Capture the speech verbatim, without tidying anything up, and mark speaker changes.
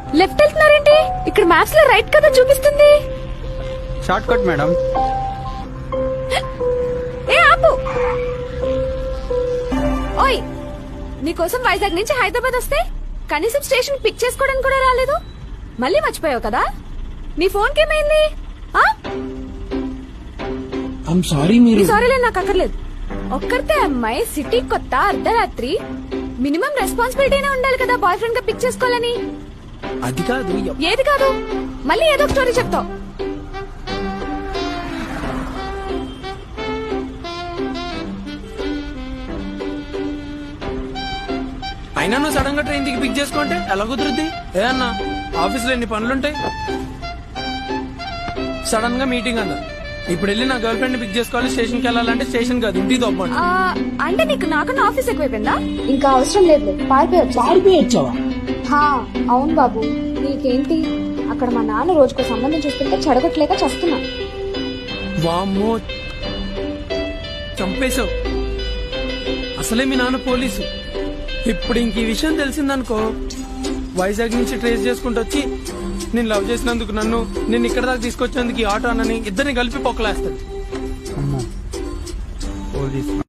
Speaker 1: Left వెళ్తున్నారేంటి? ఇక్కడ maps లో right కదా చూపిస్తుంది.
Speaker 2: Short cut madam.
Speaker 1: ఏ ఆపు. ఓయ్, నీకోసం వైజాగ్ నుంచి హైదరాబాద్ వస్తే కనీసం స్టేషన్ పిక్ చేసుకోవడానికి కూడా రాలేదు. మళ్ళీ మర్చిపోయావు కదా? నీ ఫోన్ కేమైంది? సారీలే, నాకు అక్కర్లేదు. ఒక్కరితే అమ్మాయి, సిటీ కొత్త, అర్ధరాత్రి, మినిమం రెస్పాన్సిబిలిటీనే ఉండాలి కదా బాయ్ ఫ్రెండ్ గా పిక్ చేసుకోవాలని.
Speaker 2: అది కాదు.
Speaker 1: ఏది కాదు? మళ్ళీ ఏదో ఒక స్టోరీ చెప్తావు.
Speaker 2: అయినా నువ్వు సడన్ గా ట్రైన్ దిగి పిక్ చేసుకుంటే ఎలా కుదురుద్ది? ఏ అన్నా, ఆఫీస్ లో ఎన్ని పనులుంటాయి. సడన్ గా మీటింగ్ అన్నా, ఇప్పుడు వెళ్ళి నా గర్ల్ ఫ్రెండ్ పిక్ చేసుకోవాలి, స్టేషన్ కి వెళ్ళాలంటే స్టేషన్ కాదు ఇంటికి తప్పండి.
Speaker 1: ఆ, అంటే నీకు నాకన్నా ఆఫీస్ ఎక్కువైపోయిందా?
Speaker 3: ఇంకా అవసరం లేదు, పారిపోయొచ్చు.
Speaker 4: పారిపోయొచ్చావా?
Speaker 3: హా, అవును బాబు. నీకేంటి అక్కడ మా నాన్న రోజుకో సంబంధం చూస్తుంటే చెడగొట్టలేక చస్తున్నా.
Speaker 2: వామ్మో, చంపేశావు. అసలే మీ నాన్న పోలీసు. ఇప్పుడు ఇంక ఈ విషయం తెలిసిందనుకో, వైజాగ్ నుంచి ట్రేస్ చేసుకుంటూ వచ్చి నేను లవ్ చేసినందుకు నన్ను, నేను ఇక్కడ దాకా తీసుకొచ్చేందుకు ఈ ఆటో అన్నని ఇద్దరిని కలిపి పొక్కలేస్తాడు.